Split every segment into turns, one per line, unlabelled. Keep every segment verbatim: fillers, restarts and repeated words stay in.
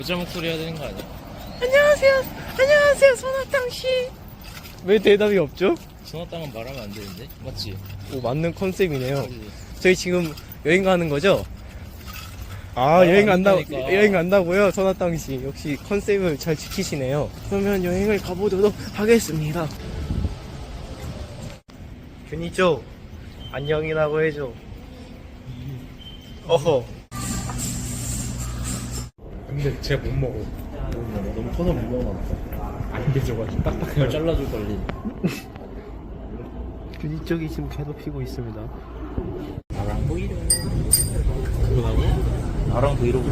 여자 목소리 해야 되는 거 아니야?
안녕하세요. 안녕하세요, 손아땅씨. 왜 대답이 없죠?
소나땅은 말하면 안 되는데? 맞지?
오, 맞는 컨셉이네요.
그치?
저희 지금 여행 가는 거죠? 아, 여행 간다,
간다니까.
여행 간다고요? 손아땅씨. 역시 컨셉을 잘 지키시네요. 그러면 여행을 가보도록 하겠습니다. 균이죠? 안녕이라고 해줘. 어허.
근데 제가 못 먹어.
너무 터널 무거워놨다.
안 되져가지고
발
딱딱해요.
잘라줄 걸리.
균이 쪽이 지금 괴롭히고 있습니다.
나랑 보이려.
그거라고?
나랑 브이로그.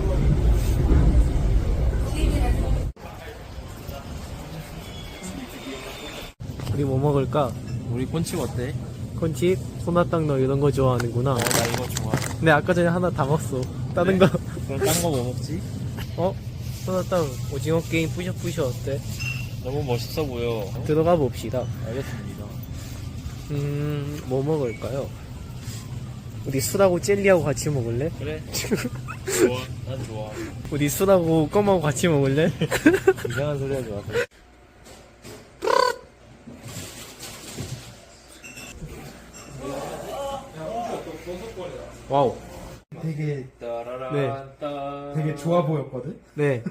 우리 뭐 먹을까?
우리 꼰칩 어때?
콘칩, 손아땅 너 이런 거 좋아하는구나.
어, 나 이거 좋아해.
근데 아까 전에 하나 다 먹었어. 다른
그래?
거.
그럼 딴 거 뭐 먹지?
어? 손아땅 오징어 게임 뿌셔뿌셔 어때?
너무 멋있어 보여.
들어가 봅시다.
알겠습니다.
음, 뭐 먹을까요? 우리 술하고 젤리하고 같이 먹을래?
그래. 좋아. 난 좋아.
우리 술하고 껌하고 같이 먹을래?
이상한 소리 하지 마세요.
와우.
되게
네.
되게 좋아 보였거든.
네.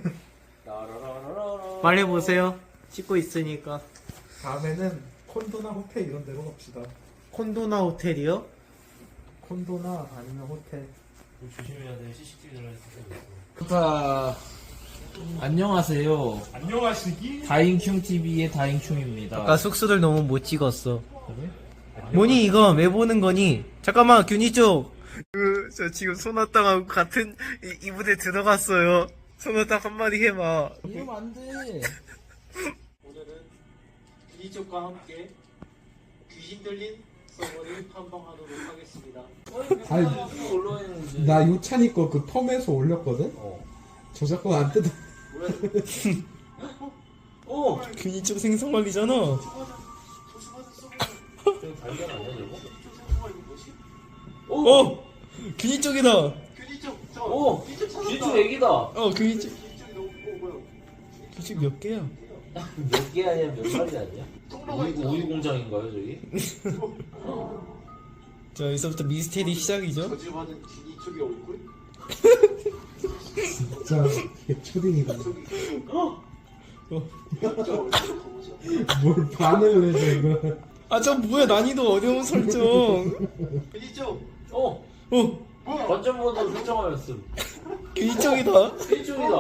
빨리 보세요. 찍고 있으니까.
다음에는 콘도나 호텔 이런 데로 갑시다.
콘도나 호텔이요?
콘도나 아니면 호텔.
조심해야 돼. 씨씨티비 들어있어.
자, 안녕하세요.
안녕하시기.
다잉충티비의 다잉충입니다.
아까 숙소를 너무 못 찍었어. 뭐니 이거 왜 보는 거니? 잠깐만 균이 쪽. 그, 저 지금 손아땅하고 같은 이, 이부대 들어갔어요. 손아땅 한마디 해봐.
이러면 안 돼.
오늘은 균이 쪽과 함께 귀신 들린 서버를 탐방하도록 하겠습니다.
아니, 나 요찬이 거 그 펌에서 올렸거든. 저작권 안 뜯어.
어, 균이 쪽 생선 관리잖아. 어, 균이 쪽이다.
오! 귀쪽 애기다.
어, 균이 쪽. 균이 쪽 몇 개야?
몇 개 아니야? 몇 마리 아니야? 우유, 우유 공장인가요, 저기?
자, 여기서부터 미스테리 시작이죠.
진짜 이게 초딩이다.
어.
뭘 반응을 해줘 이거.
아, 저 뭐야 난이도 어려운 설정.
어!
어,
관전모드 설정하였음.
균이 쪽이다.
일종이다.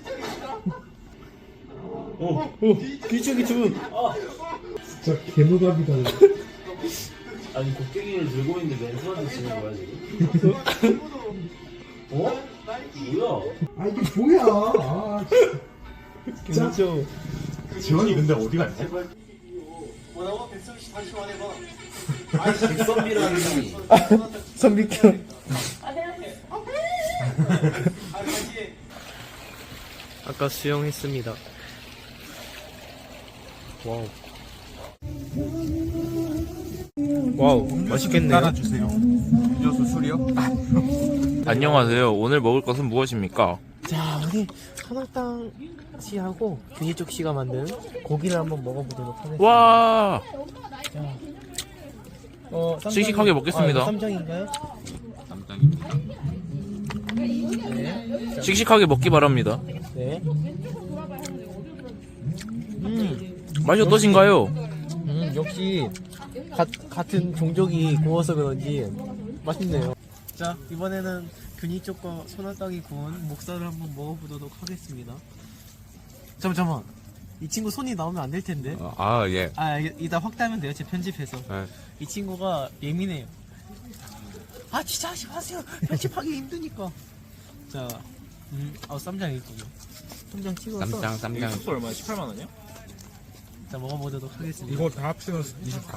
어, 균이 쪽이 좀.
아!
진짜 개노답이다.
아니, 곡괭이를 들고 있는데 멘트한테 치는 거야, 지금? 어? 뭐야?
아 이게 뭐야? 아,
균이 쪽.
지원이 근데 어디 갔지?
뭐라고? 백성 씨 다시 말해봐.
백선비라니.
선비큐. 아까 수영했습니다. 와우. 와우, 맛있겠네요.
주세요. 음료수 술이요?
안녕하세요. 오늘 먹을 것은 무엇입니까?
자, 우리 선악당 씨하고 균이쪽 씨가 만든 고기를 한번 먹어보도록 하겠습니다.
와!
어, 쌈장이-
씩씩하게 먹겠습니다.
아, 쌈장인가요? 네.
씩씩하게 먹기 바랍니다.
네. 음,
맛이 어떠신가요?
음, 역시 가, 같은 종족이 구워서 그런지 맛있네요. 자, 이번에는 균이 쪽과 소나땅이 구운 목살을 한번 먹어보도록 하겠습니다. 잠깐만, 잠깐만. 이 친구 손이 나오면 안 될 텐데.
아, 예.
아, 이- 이따 확대하면 돼요. 제 편집해서.
네.
이 친구가 예민해요. 아, 진짜 하지 마세요. 편집하기 힘드니까. 자, 음, 아, 쌈장 있군요. 쌈장 찍어서.
쌈장, 쌈장.
얼마야? 십팔만 원이요?
자, 먹어보도록 하겠습니다.
이거 다 합치면 이십사.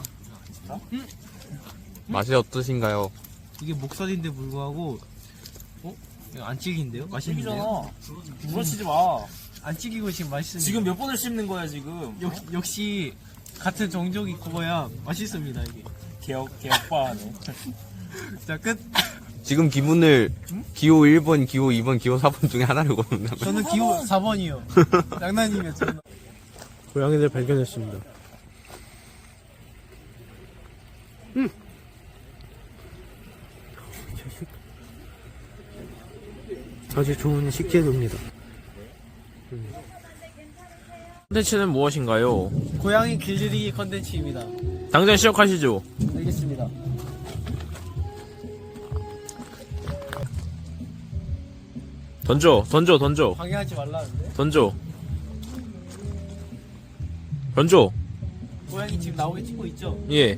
맛이 어떠신가요?
이게 목살인데 불구하고, 어? 이거 안 찌긴데요? 맛있는데요?
부러치지 마.
안 찌기고 지금 맛있습니다.
지금 몇 번을 씹는 거야, 지금?
역, 역시 같은 종족이 구워야 맛있습니다, 이게.
개혁, 개혁바하네.
자, 끝.
지금 기분을 기호 일 번, 기호 이 번, 기호 사 번 중에 하나를 고른다면
저는 기호 사 번이요. 장난이면 저는. 고양이들 발견했습니다. 음. 아주 좋은 식재료입니다.
컨텐츠는 무엇인가요?
고양이 길들이기 컨텐츠입니다.
당장 시작하시죠.
알겠습니다.
던져, 던져, 던져,
방해하지 말라는데?
던져. 던져.
고양이 지금 나오게 찍고 있죠?
예.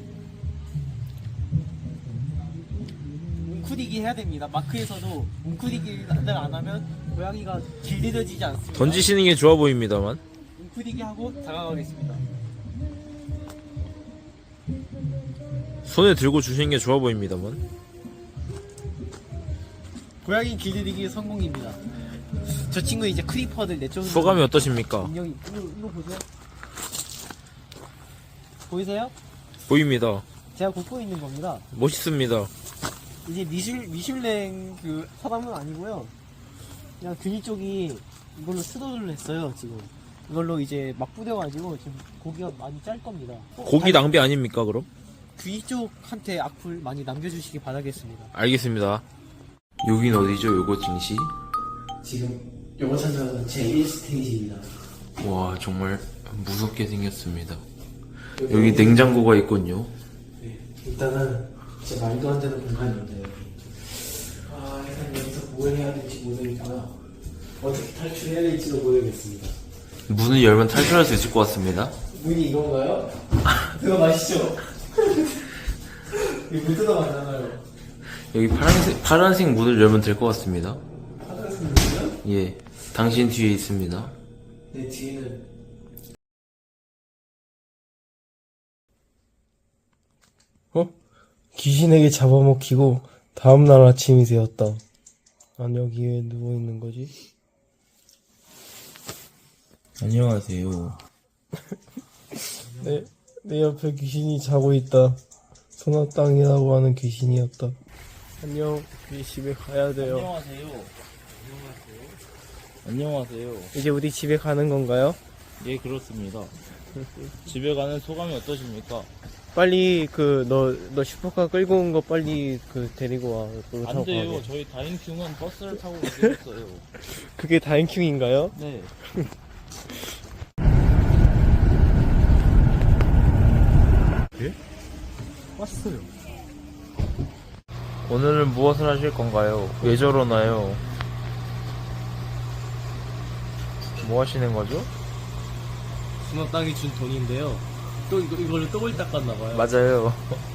웅크리기 해야 됩니다. 마크에서도 웅크리기를 안 하면 고양이가 길들여지지 않습니다.
던지시는 게 좋아 보입니다만.
웅크리기 하고 다가가겠습니다.
손에 들고 주시는 게 좋아 보입니다만.
고양이 길들이기 성공입니다. 저 친구 이제 크리퍼들 내쫓는
소감이 어떠십니까?
능력이 이거, 이거 보세요. 보이세요?
보입니다.
제가 굽고 있는 겁니다.
멋있습니다.
이제 미슐 미슐랭 그 사람은 아니고요. 그냥 근위 쪽이 이걸로 수도를 했어요 지금. 이걸로 이제 막 뿌려가지고 지금 고기가 많이 짤 겁니다. 어,
고기
다-
낭비 아닙니까 그럼?
귀 쪽한테 악플 많이 남겨주시기 바라겠습니다.
알겠습니다. 여긴 어디죠? 요거 증시?
지금 영어 찾아서 제일 스테이지입니다.
와 정말 무섭게 생겼습니다. 여기 냉장고가 있군요.
네, 일단은 진짜 말도 안 되는 공간인데 여기. 아 일단 여기서 뭘 해야 될지 모르니까 어떻게 탈출해야 될지도 모르겠습니다.
문을 열면 탈출할 수 있을 것 같습니다.
문이 이건가요? 들어가시죠. 이물 뜯어가잖아요.
여기 파란색, 파란색 문을 열면 될 것 같습니다.
파란색 문이요?
예. 당신 뒤에 있습니다.
내 뒤에는 어? 귀신에게 잡아먹히고 다음날 아침이 되었다. 난 여기 왜 누워있는 거지?
안녕하세요.
내, 내 옆에 귀신이 자고 있다. 소나땅이라고 하는 귀신이었다. 안녕, 우리 집에 가야 돼요.
안녕하세요. 안녕하세요.
이제 우리 집에 가는 건가요?
예, 그렇습니다. 집에 가는 소감이 어떠십니까?
빨리 그 너 너 슈퍼카 끌고 온 거 빨리 그 데리고 와. 그거 타고
안 돼요.
가게.
저희 다인큐는 버스를 타고 가겠어요.
그게 다인킹인가요?
네.
왔어요.
오늘은 무엇을 하실 건가요? 왜 저러나요? 뭐 하시는 거죠?
수나땅이 준 돈인데요. 또 이거 이걸로 떡을 닦았나 봐요.
맞아요.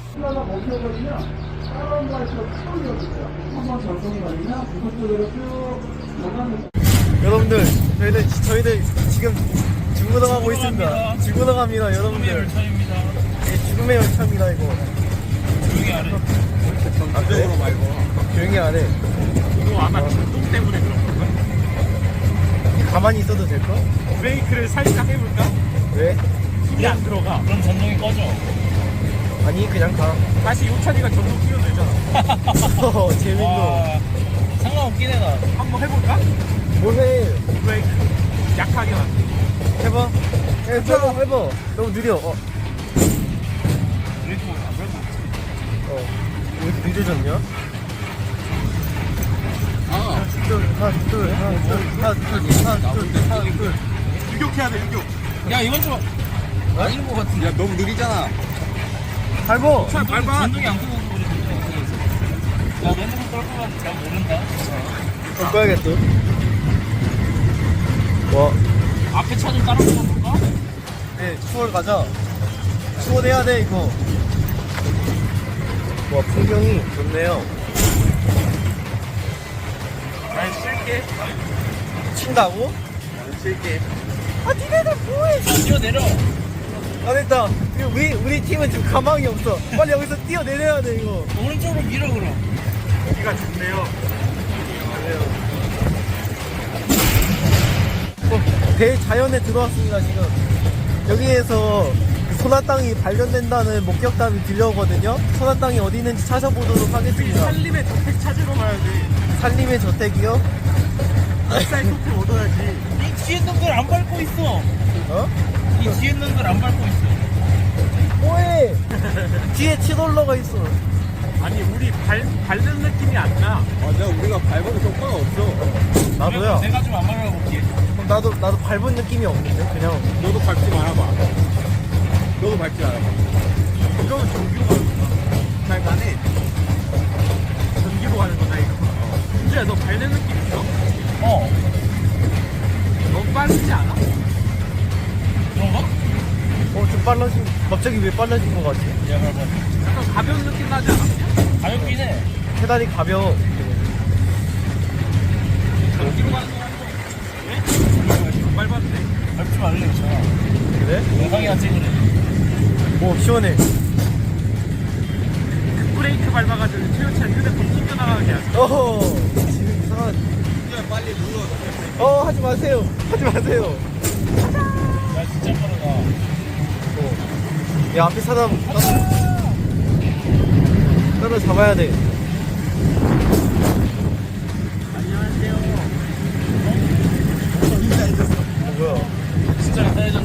여러분들 저희들 저희들 지금 죽으러 가고 있습니다. 죽으러 갑니다, 여러분들. 예, 죽음의 열차입니다 이거. 조용히 안 해. 안 돼. 말고. 조용히 안 해.
이거 아마 진동 때문에 그런 건가?
가만히 있어도 될까?
브레이크를 살짝 해볼까?
왜?
힘이 안 들어가. 그럼 전동이 꺼져.
아니 그냥 가.
다시 요찬이가 전동 끼워도 되잖아.
어, 재밌노.
와,
상관없긴 해, 나.
한번 해볼까?
뭐해?
브레이크 약하게만.
해봐. 해봐 해봐. 너무 느려. 어.
브레이크 안 밟고.
어. 왜 이렇게 늦어졌냐? 하나, 둘, 하나, 둘, 하나, 둘, 하나, 둘, 하나, 둘, 하나, 둘.
유격해야 돼, 유격.
야, 이건 좀 아닌 것 같은데.
야 너무 느리잖아.
밟어.
차 밟아.
전동이 안 끄고 그러는데. 야, 내는 걸 거면 잘 모른다.
바꿔야겠어. 와.
앞에 차 좀 따라 붙어볼까?
네, 추월 가자. 추월해야 돼, 이거. 와, 풍경이 좋네요.
난 쉴게.
친다고?
쉴게.
아, 니네들 뭐해?
뛰어내려.
안 됐다. 이거 우리, 우리 팀은 지금 가망이 없어. 빨리 여기서 뛰어내려야 돼, 이거.
오른쪽으로 밀어, 그럼.
여기가 좋네요.
어, 대자연에 들어왔습니다, 지금. 여기에서 그 소나땅이 발견된다는 목격담이 들려오거든요. 소나땅이 어디 있는지 찾아보도록 하겠습니다.
살림의 저택 찾으러 가야 돼.
살림의 저택이요?
쌀 토크 얻어야지.
이 뒤에 있는 걸 안 밟고 있어.
어?
이 뒤에 있는 걸 안 밟고 있어.
뭐해? 뒤에 치돌러가 있어.
아니 우리 발 밟는 느낌이 안 나.
맞아, 우리가 밟아도 효과가 없어.
나도야.
내가 좀 안 밟아 볼게.
그럼 나도 나도 밟은 느낌이 없는데 그냥.
너도 밟지 말아봐. 너도 밟지 말아봐.
이거는 전기로 가는 거다.
잘 가네.
전기로 가는 거다 이거. 진짜 너 밟는 느낌 있어?
어.
너무 빠르지 않아?
그런가?
어 좀 빨라진. 갑자기 왜 빨라진 것 같지?
야 밟아.
약간 가벼운 느낌 나지 않았냐?
가볍긴 해.
페달이 가벼워.
전기로 가는 거 같아. 왜? 안 밟았는데.
밟지 말래 있잖아.
그래?
영상이나 찍으래.
오 시원해.
브레이크 밟아가지고 최우찬 휴대폰 튕겨나가게 하자.
어허. 지금 이상한.
그냥 빨리 눌러.
어 하지 마세요. 하지 마세요.
야 진짜 빠르다.
어. 야 앞에 사람 따로 잡아야 돼.
안녕하세요.
어, 뭐야?
진짜 따해졌네.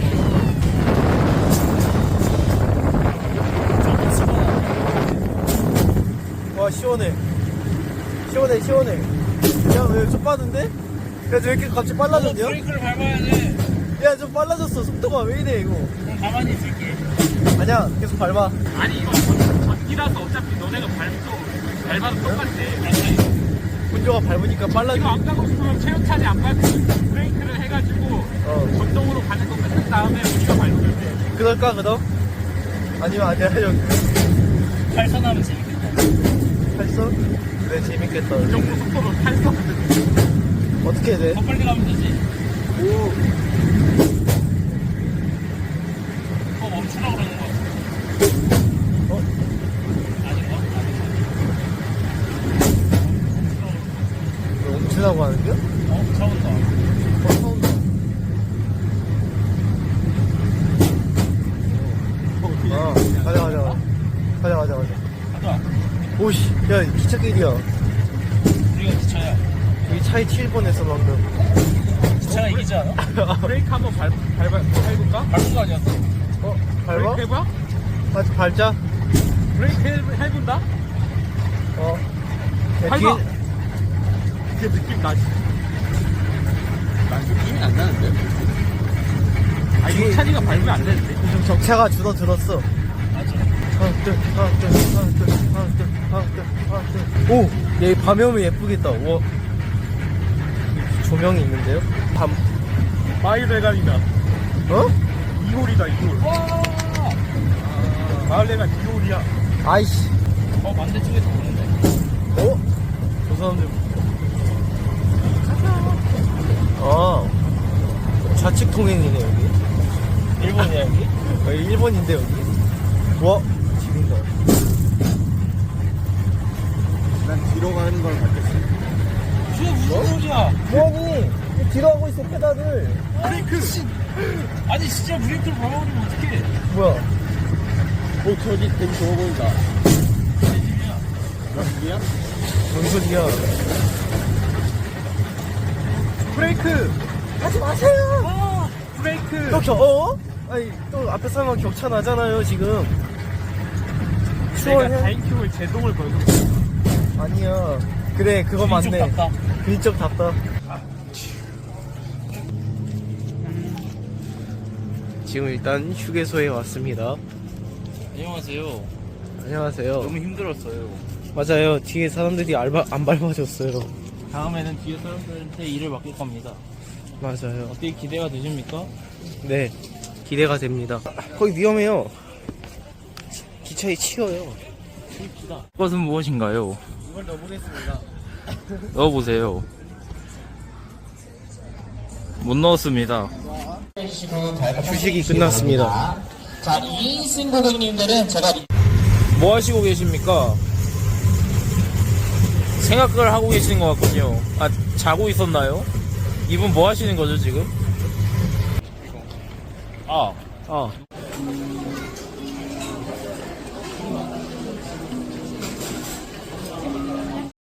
와 시원해. 시원해 시원해. 야왜 좀 빠른데? 야 왜 이렇게 갑자기 빨라졌냐?
브레이크를 밟아야 돼.
야 좀 빨라졌어. 속도가 왜 이래 이거?
그럼 가만히 있을게.
아니야 계속 밟아.
아니 이거 전- 전기라서 어차피 너네가 밟도 밟아도 똑같아.
분조가 밟으니까 빨라져.
이거 안 가고 싶으면 최우찬이 안 밟고 브레이크를 해가지고
어
전동으로 가는 거 끝낸 다음에 우리가 밟으면 돼.
그럴까 그럼? 아니면 아니야 형.
팔선하면 재밌겠다.
했어? 그래 재밌겠다.
이 정도 속도로 탈수거든.
어떻게 해야 돼?
더 빨리 가면 되지.
오.
어 멈추라고 그러는 거 같아.
어?
아닌가?
멈추라고 하는 겨?
어? 차 온다.
어 처음이다. 아 가자 가자 가자 가자 가자.
가자.
오씨 야 기차길이야.
우리가 기차야.
여기 차에 칠 뻔했어 방금.
기차가 이기지 않아?
브레이크 한번 밟, 밟아, 밟을까?
밟은 거 아니었어?
어? 밟아?
브레이크 해봐?
다시 밟자.
브레이크 해, 해본다?
어. 야,
밟아!
뒤에-
이게 느낌 나지?
난 느낌이 안 나는데?
아 이거 찬이가 밟으면 안 되는데?
좀 적차가 줄어들었어.
맞아.
하나 둘 하나 둘 하나 둘 하나 둘 하나 둘 하나 둘. 오! 얘 밤에 오면 예쁘겠다. 우와. 조명이 있는데요? 밤.
마을 대감이다.
어?
이홀이다 이홀.
와!
마을 대감 이홀이야.
아이씨.
어 반대쪽에서 보는데.
어? 저 사람들. 아. 좌측 통행이네, 여기.
일본이야 여기?
여기 일본인데, 여기. 와, 지린다.
난 뒤로 가는 걸 받겠어.
그게 무슨 소리야?
뭐니? 뒤로 하고 있어, 페달을.
브레이크!
아니 진짜 브레이크를 밟아버리면 어떡해?
뭐야?
어, 저기 되게 좋아 보인다. 여기야?
뭔 소리야?
브레이크!
하지 마세요!
어! 브레이크!
또 겨, 어? 아니, 또 앞에 사람랑 격차 나잖아요, 지금.
내가
추월해?
다인큐의 제동을 걸고 있어.
아니야. 그래, 그거
왼쪽
맞네.
답다.
왼쪽 답다. 지금 일단 휴게소에 왔습니다.
안녕하세요.
안녕하세요.
너무 힘들었어요.
맞아요. 뒤에 사람들이 알바, 안 밟아줬어요.
다음에는 뒤에 사람들한테 일을 맡길 겁니다.
맞아요.
어떻게 기대가 되십니까?
네. 기대가 됩니다. 거기 위험해요. 기차에 치여요.
그것은 무엇인가요?
이걸 넣어보겠습니다.
넣어보세요. 못 넣었습니다.
휴식이 끝났습니다.
자, 이 인승 고객님들은 제가
뭐 하시고 계십니까? 생각을 하고 계시는 것 같군요. 아, 자고 있었나요? 이분 뭐 하시는 거죠, 지금? 아,
아.